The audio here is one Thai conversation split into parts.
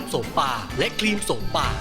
ำโสมป่าและครีมโสมป่า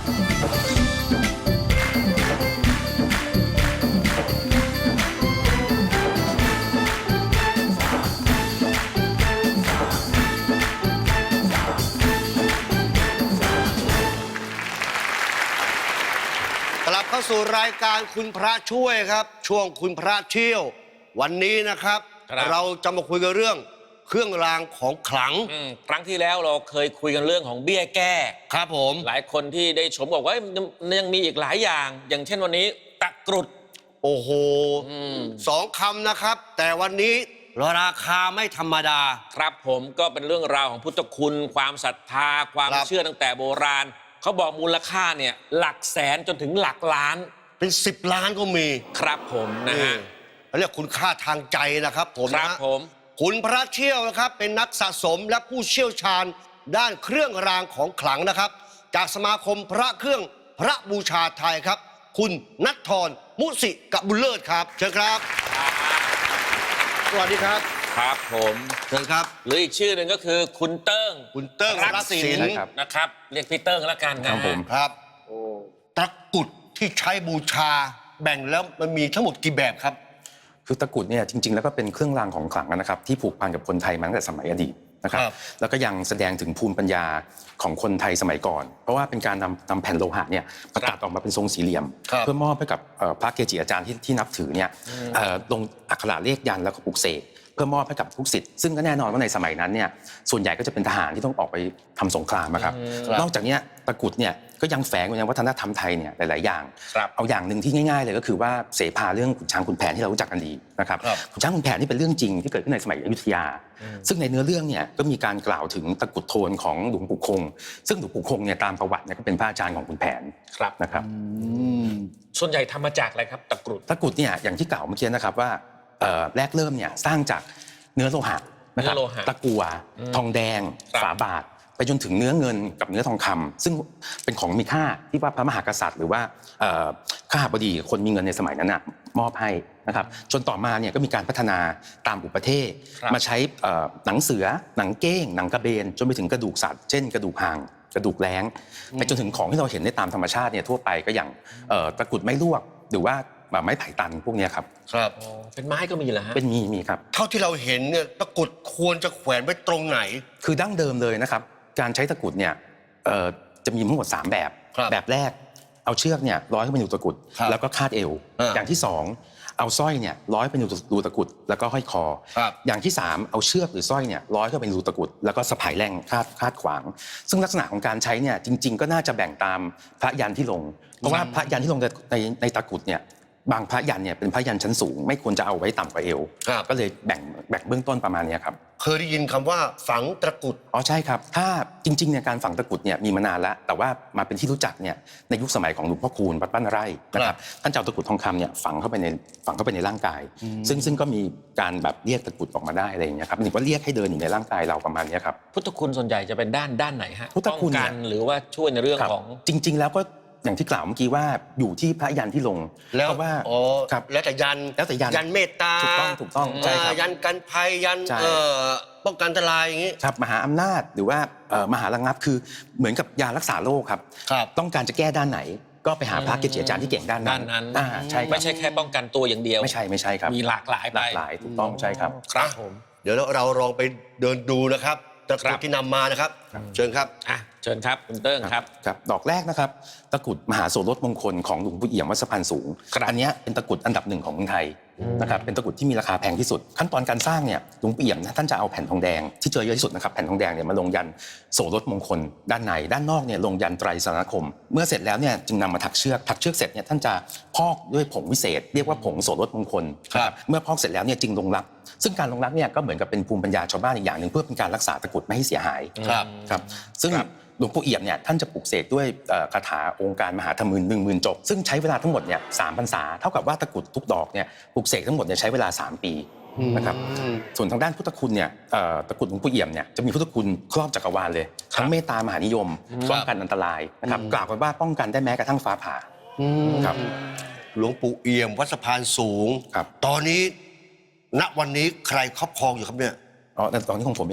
กลับเข้าสู่รายการคุณพระช่วยครับช่วงคุณพระเที่ยววันนี้นะครับเราจะมาคุยกันเรื่องเครื่องรางของขลังครั้งที่แล้วเราเคยคุยกันเรื่องของเบี้ยแก้ครับผมหลายคนที่ได้ชมบอกว่ายังมีอีกหลายอย่าง อย่างเช่นวันนี้ตะกรุดโอ้โหสองคำนะครับ แต่วันนี้ราคาไม่ธรรมดาครับผมก็เป็นเรื่องราวของพุทธคุณความศรัทธาความเชื่อตั้งแต่โบราณเขาบอกมูลค่าเนี่ยหลักแสนจนถึงหลักล้านเป็น10 ล้านก็มีครับผมนะฮะเรียกคุณค่าทางใจนะครับผมครับผมคุณพระเที่ยวนะครับเป็นนักสะสมและผู้เชี่ยวชาญด้านเครื่องรางของขลังนะครับจากสมาคมพระเครื่องพระบูชาไทยครับคุณณัฐธร มุสิกบุญเลิศครับเชิญครับสวัสดีครับครับผมเชิญครับหรืออีกชื่อหนึ่งก็คือคุณเติ้งรักศิลป์นะครับเรียกพี่เติ้งแล้วกันครับผมครับตะกรุดที่ใช้บูชาแบ่งแล้วมันมีทั้งหมดกี่แบบครับคือตะกรุดเนี่ยจริงๆแล้วก็เป็นเครื่องรางของขลังนะครับที่ผูกพันกับคนไทยมาตั้งแต่สมัยอดีตนะครับแล้วก็ยังแสดงถึงภูมิปัญญาของคนไทยสมัยก่อนเพราะว่าเป็นการนำแผ่นโลหะเนี่ยประตัดออกมาเป็นทรงสี่เหลี่ยมเพื่อมอบให้กับพระเกจิอาจารย์ที่นับถือเนี่ยลงอักขระเลขยันต์แล้วก็ปลุกเสกเพื่อมอบให้กับทุกศิษย์ซึ่งก็แน่นอนว่าในสมัยนั้นเนี่ยส่วนใหญ่ก็จะเป็นทหารที่ต้องออกไปทำสงครามนะครับนอกจากนี้ตะกรุดเนี่ยก็ยังแฝงอยู่ในวัฒนธรรมไทยเนี่ยหลายๆอย่างเอาอย่างหนึ่งที่ง่ายๆเลยก็คือว่าเสภาเรื่องขุนช้างขุนแผนที่เรารู้จักกันดีนะครับขุนช้างขุนแผนนี่เป็นเรื่องจริงที่เกิดขึ้นในสมัยอยุธยาซึ่งในเนื้อเรื่องเนี่ยก็มีการกล่าวถึงตะกรุดโทนของหลวงปู่คงซึ่งหลวงปู่คงเนี่ยตามประวัติเนี่ยก็เป็นพระอาจารย์ของขุนแผนนะครับส่วนใหญ่ทำมาจากอะไรครับตะกรุดเนี่ยอย่างที่กล่าวเมื่อกี้นะครับว่าแรกเริ่มเนี่ยสร้างจากเนื้อโลหะนะครับตะกั่วทองแดงฝาบาทไปจนถึงเนื้อเงินกับเนื้อทองคำซึ่งเป็นของมีค่าที่ว่าพระมหากษัตริย์หรือว่าข้าบดีคนมีเงินในสมัยนั้นมอบให้นะครับจนต่อมาเนี่ยก็มีการพัฒนาตามอุปเทศมาใช้หนังเสือหนังเก้งหนังกระเบนจนไปถึงกระดูกสัตว์เช่นกระดูกหางกระดูกแร้งไปจนถึงของที่เราเห็นในตามธรรมชาติเนี่ยทั่วไปก็อย่างตะกรุดไม้ลวกหรือว่าไม้ไผ่ตันพวกนี้ครับเป็นไม้ก็มีเหรอฮะเป็นมีครับเท่าที่เราเห็นเนี่ยตะกรุดควรจะแขวนไว้ตรงไหนคือดั้งเดิมเลยนะครับการใช้ตะกรุดเนี่ยจะมีทั้งหมด3แบบแบบแรกเอาเชือกเนี่ยร้อยเข้าไปในรูตะกรุดแล้วก็คาดเอวอย่างที่2เอาสร้อยเนี่ยร้อยไปในรูตะกรุดแล้วก็ห้อยคออย่างที่3เอาเชือกหรือสร้อยเนี่ยร้อยเข้าไปในรูตะกรุดแล้วก็สะพายแร่งคาดขวางซึ่งลักษณะของการใช้เนี่ยจริงๆก็น่าจะแบ่งตามพระยันที่ลงเพราะว่าพระยันที่ลงในตะกรุดเนี่ยบางพระยันเนี่ยเป็นพระยันชั้นสูงไม่ควรจะเอาไว้ต่ำกว่าเอวก็เลยแบ่งเบื้องต้นประมาณนี้ครับเคยได้ยินคำว่าฝังตะกรุดใช่ครับถ้าจริงๆเนี่ยการฝังตะกรุดเนี่ยมีมานานแล้วแต่ว่ามาเป็นที่รู้จักเนี่ยในยุคสมัยของหลวงพ่อคูณวัดบ้านไร่นะครับท่านเจ้าตะกรุดทองคำเนี่ยฝังเข้าไปในร่างกายซึ่งก็มีการแบบเรียกตะกรุดออกมาได้อะไรอย่างเงี้ยครับหรือว่าเรียกให้เดินอยู่ในร่างกายเราประมาณนี้ครับพุทธคุณส่วนใหญ่จะเป็นด้านไหนฮะพุทธคุณกันหรือว่าช่วยในเรื่องของจริงๆแล้วก็อย่างที่กล่าวเมื่อกี้ว่าอยู่ที่พระยันที่ลงแล้วว่าแล้วแต่ยันเมตตาถูกต้องใช่ครับยันกันภัยยันป้องกันอันตรายอย่างนี้ครับมหาอำนาจหรือว่ามหาระงับคือเหมือนกับยารักษาโรคครับต้องการจะแก้ด้านไหนก็ไปหาพระเกจิอาจารย์ที่เก่งด้านนั้นใช่ไม่ใช่แค่ป้องกันตัวอย่างเดียวไม่ใช่ครับมีหลากหลายถูกต้องใช่ครับครับผมเดี๋ยวเราลองไปเดินดูนะครับตะกรุดที่นำมานะครับเชิญครับเชิญครับคุณเติ้งครับดอกแรกนะครับตะกรุดมหาโสรสมงคลของหลวงปู่เอี่ยมวัดสะพานสูงอันนี้เป็นตะกรุดอันดับ1ของเมืองไทยนะครับเป็นตะกรุดที่มีราคาแพงที่สุดขั้นตอนการสร้างเนี่ยหลวงปู่เอี่ยมท่านจะเอาแผ่นทองแดงที่เจอเยอะที่สุดนะครับแผ่นทองแดงเนี่ยมาลงยันโสรสมงคลด้านในด้านนอกเนี่ยลงยันไตรสรณคมเมื่อเสร็จแล้วเนี่ยจึงนำมาถักเชือกเสร็จเนี่ยท่านจะพอกด้วยผงวิเศษเรียกว่าผงโสรสมงคลเมื่อพอกเสร็จแล้วเนี่ยจึงลงรักซึ่งการลงรักเนี่ยก็เหมือนกับเป็นภูมิปัญญาชาวบ้านอีกอย่างหนึ่งเพื่อเป็นการรักษาตะกรุดไม่ให้เสียหายครับซึ่งหลวงปู่เอี่ยมเนี่ยท่านจะปลุกเสกด้วยคาถาองค์การมหาธรรม10,000 จบซึ่งใช้เวลาทั้งหมดเนี่ย3 พรรษาเท่ากับว่าตะกรุดทุกดอกเนี่ยปลุกเสกทั้งหมดเนี่ยใช้เวลา3 ปีนะครับส่วนทางด้านพุทธคุณเนี่ยตะกรุดหลวงปู่เอี่ยมเนี่ยจะมีพุทธคุณครอบจักรวาลเลยทั้งเมตตามหานิยมป้องกันอันตรายนะครับกล่าวกันว่าป้องกันได้แม้กระทั่งฟ้าผ่าครับหลวงปู่เอี่ยมวัดสะพานสูงตอนนี้ณวันนี้ใครครอบครองอยู่ครับเนี่ยตอนนี้ของผมเองครับ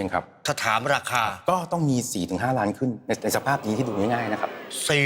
ถ้าถามราคาก็ต้องมี 4-5 ล้านขึ้นในสภาพนี้ที่ดูง่ายๆนะครับ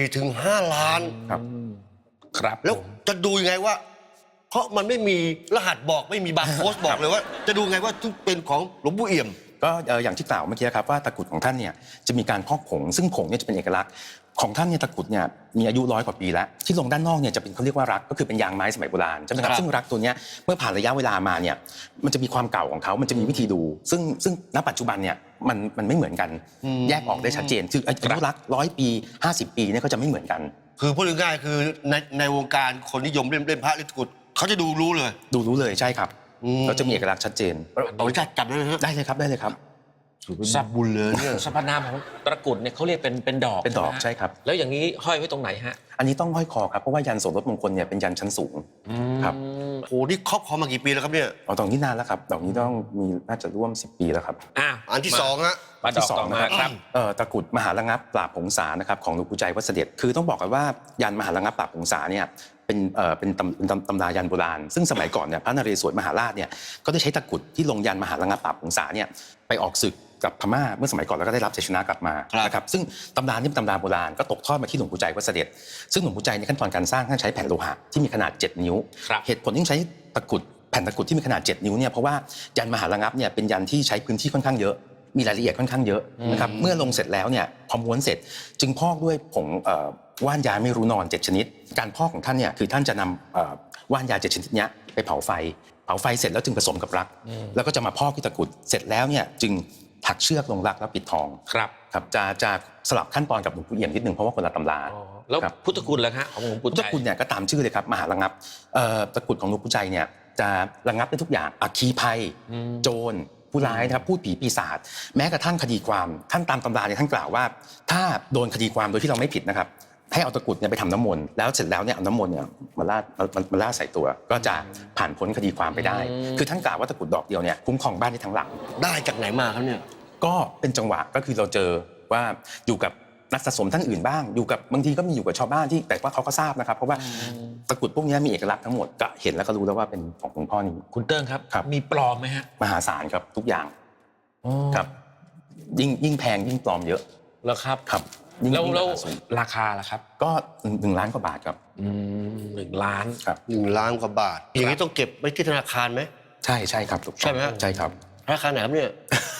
4-5 ล้านครับครับแล้วจะดูยังไงว่า เพราะมันไม่มีรหัสบอกไม่มีบาร์โค้ดบอกเลยว่า จะดูไงว่าทุกเป็นของหลวงปู่เอี่ยมก็อย่างที่กล่าวเมื่อกี้ครับว่าตะกรุดของท่านเนี่ยจะมีการพอกผงซึ่งผงเนี่ยจะเป็นเอกลักษณ์ของท่านเนี่ยตะกรุดเนี่ยมีอายุ100 กว่าปีแล้วที่ลงด้านนอกเนี่ยจะเป็นเขาเรียกว่ารักก็คือเป็นยางไม้สมัยโบราณใช่ไหมครัครับ บซึ่งรักตัวเนี้ยเมื่อผ่านระยะเวลามาเนี่ยมันจะมีความเก่าของเขามันจะมีวิธีดู ซึ่งณปัจจุบันเนี่ยมันไม่เหมือนกันแยกออกได้ชัดเจนคืออายุรัก100 ปี 50 ปีเนี่ยก็จะไม่เหมือนกันคือพูดง่ายๆคือในวงการคนนิยมเล่นพระเล่นตะกรุดเขาจะดูรู้เลยดูรู้เลยใช่ครับอืมเราจะมีเอกลักษณ์ชัดเจนขออนุญาตจับได้ไหมฮะได้เลยครับได้เลยครับสับบุญเลยเนี่ยสรรพนามของตะกรุดเนี่ยเขาเรียกเป็นดอกเป็นดอกไหมฮะใช่ครับแล้วอย่างนี้ห้อยไว้ตรงไหนฮะอันนี้ต้องห้อยคอครับเพราะว่ายันโสรถมงคลเนี่ยเป็นยันชั้นสูง ครับโอ้นี่ครอบครองมากี่ปีแล้วครับเนี่ยเอาดอกนี้นานแล้วครับดอกนี้ต้องมีน่าจะร่วม10 ปีแล้วครับอ่ะอันที่สองฮะมาดอกต่อมาครับตะกรุดมหาระงับปราบผงสานะครับของหลวงปู่ใจวัดเสด็จคือต้องบอกกันว่ายันมหาระงับปราบผงสาเนี่ยเป็นตำรายันโบราณซึ่งสมัยก่อนเนี่ยพระนเรศวรมหาราชเนี่ยก็ได้ใช้ตะกรุดที่ลงยันมหาระงับปราบผงสาเนี่ยไปออกศึกกับพม่าเมื่อสมัยก่อนแล้วก็ได้รับชัยชนะกลับมาครับนะครับซึ่งตำรานี่เป็นตำราโบราณก็ตกทอดมาที่หลวงปู่ใจวัดเสด็จซึ่งหลวงปู่ใจในขั้นตอนการสร้างท่านใช้แผ่นโลหะที่มีขนาด 7 นิ้วครับเหตุผลที่ใช้ตะกรุดแผ่นตะกรุดที่มีขนาด 7 นิ้วเนี่ยเพราะว่ายันมหาระงับเนี่ยเป็นยันที่ใช้พื้นที่ค่อนข้างเยอะ มีรายละเอียดค่อนข้างเยอะนะครับเมื่อลงเสร็จแล้วเนี่ยพอม้วนเสร็จจึงพอกด้วยผงว่านยาไม่รู้นอน 7 ชนิด การพอกของท่านเนี่ยคือท่านจะนำว่านยา 7 ชนิดเนี้ยไปเผาไฟเสร็จแล้วจึงผสมกับรัก แล้วก็จะมาพอกที่ตะกรุดเสร็จแล้วเนี่ยจึงถักเชือกลงรักแล้วปิดทองครับครับจะสลับขั้นตอนกับหลวงปู่เอี่ยมนิดนึงเพราะว่าคนละตำราอ๋อแล้วครับพุทธคุณล่ะฮะของหลวงปู่พุทใจธคุณเนี่ยก็ตามชื่อเลยครับมหาระงับตะกรุดของหลวงปู่ใจเนี่ยจะระงับได้ทุกอย่างอัคคีภัย โจรผู้ร้ายนะครับพูดผีปีศาจแม้กระทั่งคดีความท่านตามตำราเนี่ยท่านกล่าวว่า ถ้าโดนคดีความโดยที่เราไม่ผิดนะครับให้เอาตะกรุดเนี่ยไปทำน้ำมนต์แล้วเสร็จแล้วเนี่ยเอาน้ำมนต์เนี่ยมาลาดใส่ตัว ก็จะผ่านพ้นคดีความไปได้ คือท่านกล่าวว่าตะกรุดดอกเดียวเนี่ยคุ้มครองบ้านได้ทั้งหลังได้จากไหนมาครับเนี่ยก็เป็นจังหวะก็คือเราเจอว่าอยู่กับนักสะสมท่านอื่นบ้างอยู่กับบางทีก็มีอยู่กับชาวบ้านที่แต่ว่าเขาก็ทราบนะครับเพราะว่าตะกรุดพวกนี้มีเอกลักษณ์ทั้งหมดก็เห็นแล้วก็รู้แล้วว่าเป็นของหลวงพ่อนี้คุณเติ้งครับครับมีปลอมไหมฮะมหาศาลครับทุกอย่างครับยิ่งแพงยิ่งปลอมเยอะแล้วครับครับยิ่งแล้วราคาสูงราคาล่ะครับก็1 ล้านกว่าบาทครับ 1 ล้านครับ 1 ล้านกว่าบาท อย่างนี้ต้องเก็บไว้ที่ธนาคารไหมใช่ครับถูกต้องใช่ไหมฮะใช่ครับธนาคารไหนครับเนี่ย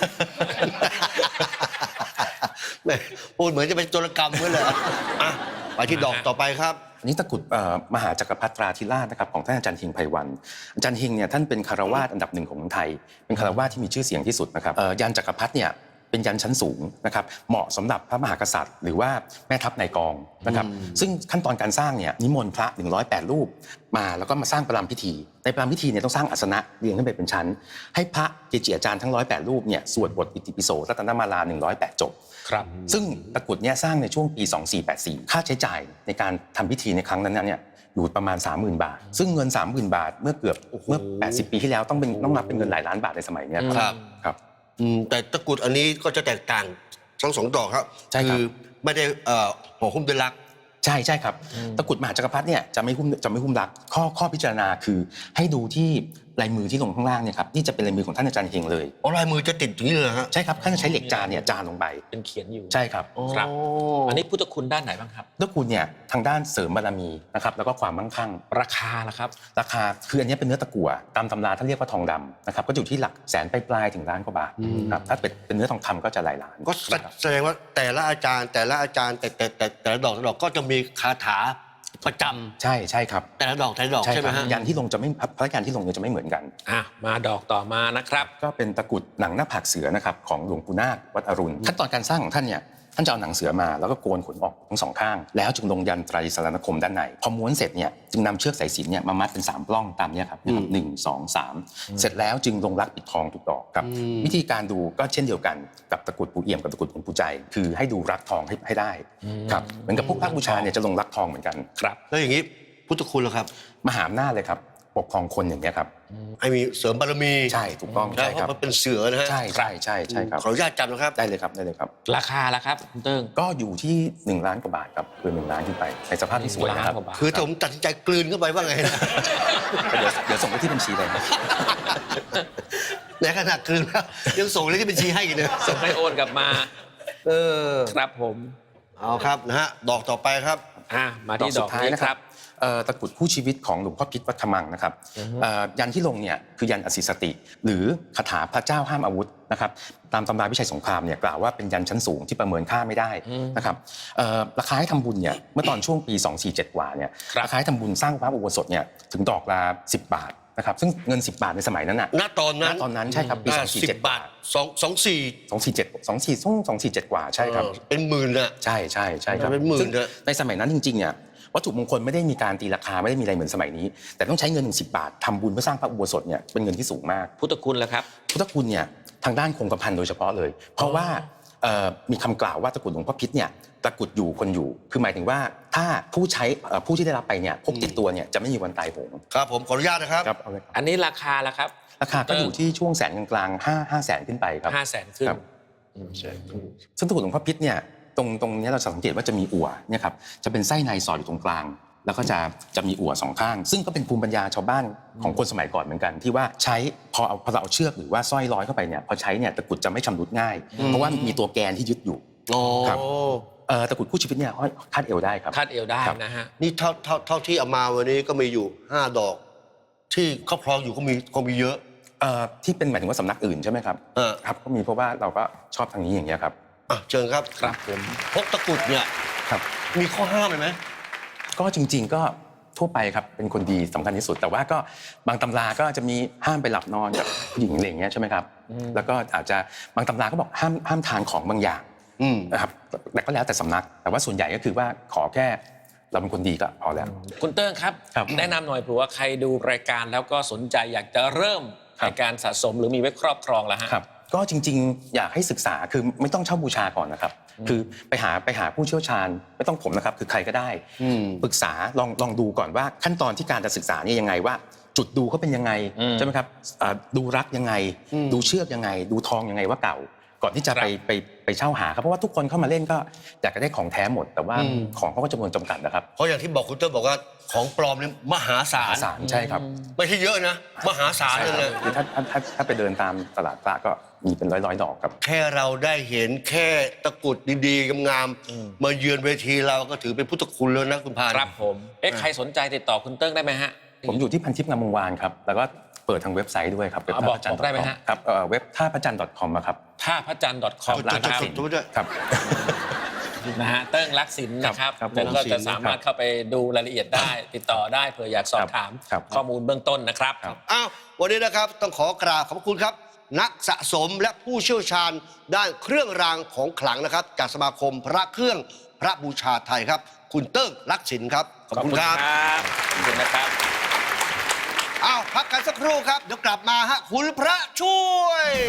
แหม่พูดเหมือนจะเป็นโจรกรรมเหมือนเลยอ่ะไปที่ดอกต่อไปครับอันนี้ตะกรุดมหาจักรพรรดิตราธิราชนะครับของท่านอาจารย์เฮงไพวันอาจารย์เฮงเนี่ยท่านเป็นคารวาสอันดับ 1ของเมืองไทย เป็นคารวาสที่มีชื่อเสียงที่สุดนะครับยันจักรพรรดิเนี่ยเป็นยันชั้นสูงนะครับเหมาะสำหรับพระมหากษัตริย์ หรือว่าแม่ทัพนายกองนะครับซึ่งขั้นตอนการสร้างเนี่ยนิมนต์พระ108 รูปมาแล้วก็มาสร้างประรำพิธีในประรำพิธีเนี่ยต้องสร้างอาสนะเรียงขึ้นไปเป็นชั้น ให้พระเกจิอาจารย์ทั้ง108 รูปเนี่ยสวดบทอิติปิโสรัตนมาลา108 จบครับซึ่งตะกรุดเนี่ยสร้างในช่วงปี 2484 ค่าใช้จ่ายในการทำพิธีในครั้งนั้นเนี่ยอยู่ประมาณ 30,000 บาท ซึ่งเงิน 30,000 บาทเมื่อ80 ปีที่แล้วต้องนับเป็นเงินหลายล้านบาทในสมัยเนี้ยครับครับแต่ตะกรุดอันนี้ก็จะแตกต่างทั้งสองดอกครับใช่ครับคือไม่ได้ห่อหุ้มด้วยลักษณ์ใช่ครับตะกรุดมหาจักรพรรดิเนี่ยจะไม่หุ้มรักข้อพิจารณาคือให้ดูที่ลายมือที่ลงข้างล่างเนี่ยครับนี่จะเป็นลายมือของท่านอาจารย์เฮงเลยอ๋อลายมือจะติดอย่างนี้เลยเหรอฮะใช่ครับท่านจะใช้เหล็กจานเนี่ยจานลงไปเป็นเขียนอยู่ใช่ครับครับโอันนี้พุทธคุณด้านไหนบ้างครับตะกรุดเนี่ยทางด้านเสริมบารมีนะครับแล้วก็ความมั่งคั่งราคาล่ะครับราคาคืออันนี้เป็นเนื้อตะกั่วตามตำราท่านเรียกว่าทองดำนะครับก็อยู่ที่หลักแสนปลายๆถึงล้านกว่าบาทครับถ้าเป็นเนื้อทองคำก็จะหลายล้านก็นะครับแสดงว่าแต่ละอาจารย์แต่ละดอกก็จะมีคาถาประจำใช่ครับแต่ละดอกใช่ไหมฮะยันที่ลงจะไม่พระยันที่ลงเนี่ยจะไม่เหมือนกันอ่ะมาดอกต่อมานะครับก็เป็นตะกรุดหนังหน้าผากเสือนะครับของหลวงปู่นาควัดอรุณขั้นตอนการสร้างของท่านเนี่ยท่านจะเอาหนังเสือมาแล้วก็โกนขนออกทั้งสองข้างแล้วจึงลงยันไตรสรณคมด้านในพอม้วนเสร็จเนี่ยจึงนำเชือกสายสิญจน์เนี่ยมามัดเป็น3 ปล้องตามเนี้ยครับ1 2 3เสร็จแล้วจึงลงรักปิดทองทุกดอกครับวิธีการดูก็เช่นเดียวกันกับตะกรุดปู่เอี่ยมกับตะกรุดหลวงปู่ใจคือให้ดูรักทองให้ได้ครับเหมือนกับพวกพระบูชาเนี่ยจะลงรักทองเหมือนกันครับแล้วอย่างนี้พุทธคุณเหรอครับมหาอำนาจเลยครับปกครองคนอย่างเงี้ยครับให้มีเสริมบารมีใช่ถูกต้องแล้วใช่ครับเพราะมันเป็นเสือนะฮะใช่ครับขออนุญาตจำนะครับได้เลยครับราคาล่ะครับคุณเติ้งก็อยู่ที่1 ล้านกว่าบาทครับคือ1 ล้านขึ้นไปในสภาพที่สวยนะครับ 1 ล้านกว่าบาทคือถ้าผมตัดสินใจกลืนเข้าไปว่าไงนะเดี๋ยวส่งไปที่บัญชีเลยครับในขณะคืนแล้วยังส่งเลขที่บัญชีให้อีกเลยส่งให้โอนกลับมาเออครับผมเอาครับนะฮะดอกต่อไปครับมาที่ดอกนี้ครับตะกรุดคู่ชีวิตของหลวงพ่อพิษวัดขมังนะครับยันที่ลงเนี่ยคือยันอสิสติ หรือคาถาพระเจ้าห้ามอาวุธนะครับตามตำราวิชัยสงครามเนี่ยกล่าวว่าเป็นยันชั้นสูงที่ประเมินค่าไม่ได้นะครับราคาให้ทำบุญเนี่ยเมื่อตอนช่วงปี 247 กว่าเนี่ยครับราคาให้ทำบุญสร้างพระอุโบสถเนี่ยถึงดอกละ10 บาทนะครับซึ่งเงิน10 บาทในสมัยนั้นน่ะณตอนนั้นตอนนั้นใช่ครับปี 10 บาท 247กว่าใช่ครับเป็นหมื่นอะใช่ครับเป็นหมื่นซึ่งนะในสมัยนั้นจริงๆเนี่ยวัตถุมงคลไม่ได้มีการตีราคาไม่ได้มีอะไรเหมือนสมัยนี้ แต่ต้องใช้เงิน10 บาททำบุญเพื่อสร้างพระอุโบสถเนี่ยเป็นเงินที่สูงมากพุทธคุณแล้วครับพุทธคุณเนี่ยทางด้านคงกระพันโดยเฉพาะเลย เพราะว่ามีคำกล่าวว่าตะกรุดหลวงพ่อพิษเนี่ยตะกรุดอยู่คนอยู่ คือหมายถึงว่าถ้าผู้ที่ได้รับไปเนี่ยพกติดตัวเนี่ยจะไม่มีวันตายโหงครับผมขออนุญาตนะครับครับเอาเลยครับอันนี้ราคาแล้วครับราคาก็อยู่ที่ช่วงแสนกลางๆ5แสนขึ้นไปครับ 500,000ขึ้นครับ ซึ่งตะกรุดหลวงพ่อพิษเนี่ยตรงนี้เราสังเกตว่าจะมีอั่วเนี่ยครับจะเป็นไส้ในสอดอยู่ตรงกลาง แล้วก็จะมีอั่ว2ข้าง ซึ่งก็เป็นภูมิปัญญาชาวบ้านของคนสมัยก่อนเหมือนกัน ที่ว่าใช้พอเราเอาเชือกหรือว่าสร้อยร้อยเข้าไปเนี่ยพอใช้เนี่ยตะกรุดจะไม่ชำรุดง่าย เพราะว่ามีตัวแกนที่ยึดอยู่โอ้ครับ ตะกรุดคู่ชีวิตเนี่ยห้อยคาดเอวได้ครับคาดเอวได้ครับนะฮะนี่เท่าที่เอามาวันนี้ก็มีอยู่5 ดอก ที่ครอบครองอยู่ก็มีเยอะที่เป็นหมายถึงว่าสำนักอื่นใช่ไหมครับ ครับก็มีเพราะว่าเราก็ชอบทางนี้อย่างเงี้ยครับอ่ะเชิญครับครับผมพกตะกรุดเนี่ยครับมีข้อห้ามไหมก็จริงๆก็ทั่วไปครับเป็นคนดีสำคัญที่สุด แต่ว่าก็บางตำราก็จะมีห้ามไปหลับนอนกับผู้หญิงอะไรอย่างเงี้ยใช่ไหมครับแล้วก็อาจจะบางตำราก็บอกห้ามทานของบางอย่างนะครับแต่ก็แล้วแต่สำนัก แต่ว่าส่วนใหญ่ก็คือว่าขอแค่เราเป็นคนดีก็พอแล้วคุณเติ้งครับครับแนะนำหน่อยเผื่อว่าใครดูรายการแล้วก็สนใจอยากจะเริ่มครับในการสะสมหรือมีไว้ครอบครองแล้วฮะครับก็จริงๆอยากให้ศึกษาคือไม่ต้องเช่าบูชาก่อนนะครับคือไปหาผู้เชี่ยวชาญไม่ต้องผมนะครับคือใครก็ได้ปรึกษาลองดูก่อนว่าขั้นตอนที่การจะศึกษาเนี่ยยังไงว่า จุดดูเขาเป็นยังไงใช่ไหมครับดูรักยังไง ดูเชือกยังไง ดูทองยังไงว่าเก่า ก่อนที่จะไปเช่าหาครับเพราะว่าทุกคนเข้ามาเล่นก็อยากจะได้ของแท้หมด แต่ว่าของเขาก็จำนวนจำกัดนะครับเพราะอย่างที่บอกคุณเติ้ลบอกว่าของปลอมเนี่ยมหาศาลสารใช่ครับไม่ใช่เยอะนะ มหาศาลเลยนะคือถ้าไปเดินตามตลาดพระก็มีเป็นร้อยดอกครับแค่เราได้เห็นแค่ตะกรุดดีๆงามๆมาเยือนเวทีเราก็ถือเป็นพุทธคุณแล้วนะคุณพานครับผมใครสนใจติดต่อคุณเติ้งได้ไหมฮะผมอยู่ที่พันทิพย์งามวงวานครับแล้วก็เปิดทางเว็บไซต์ด้วยครับเว็บบอกได้ไหมฮะครับเว็บท่าพระจันทร์ .com ครับท่าพระจันทร์ .com จุดนะครับจุดด้วยครับนะฮะเติ้งรักศิลป์นะครับครับแล้วก็รักศิลป์จะสามารถเข้าไปดูรายละเอียดได้ติดต่อได้เผื่ออยากสอบถามครับข้อมูลเบื้องต้นนะครับอ้าววันนี้นะครับต้องขอกราบขอบคุณครับ นักสะสมและผู้เชี่ยวชาญด้านเครื่องรางของขลังนะครับ จากสมาคมพระเครื่องพระบูชาไทยครับ คุณเติ้งรักศิลป์ครับขอบคุณครับขอบคุณนะครับอ้าวพักกันสักครู่ครับเดี๋ยวกลับมาฮะคุณพระช่วย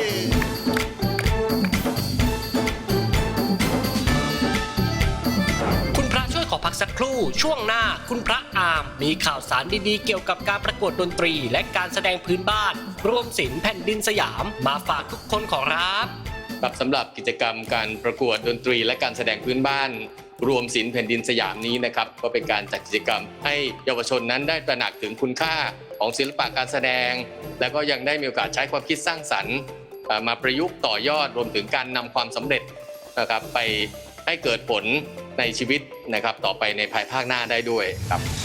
คุณพระช่วยขอพักสักครู่ช่วงหน้าคุณพระอามมีข่าวสารดีๆเกี่ยวกับการประกวดดนตรี และการแสดงพื้นบ้านรวมศิลป์แผ่นดินสยามมาฝากทุกคนขอรับครับสำหรับกิจกรรมการประกวดดนตรีและการแสดงพื้นบ้าน รวมศิลป์แผ่นดินสยามนี้นะครับก็เป็นการจัดกิจกรรมให้เยาวชนนั้นได้ตระหนักถึงคุณค่าของศิลปะการแสดง และก็ยังได้มีโอกาสใช้ความคิดสร้างสรรค์มาประยุกต์ต่อยอดรวมถึงการนำความสำเร็จนะครับไปให้เกิดผลในชีวิตนะครับต่อไปในภายภาคหน้าได้ด้วยครับ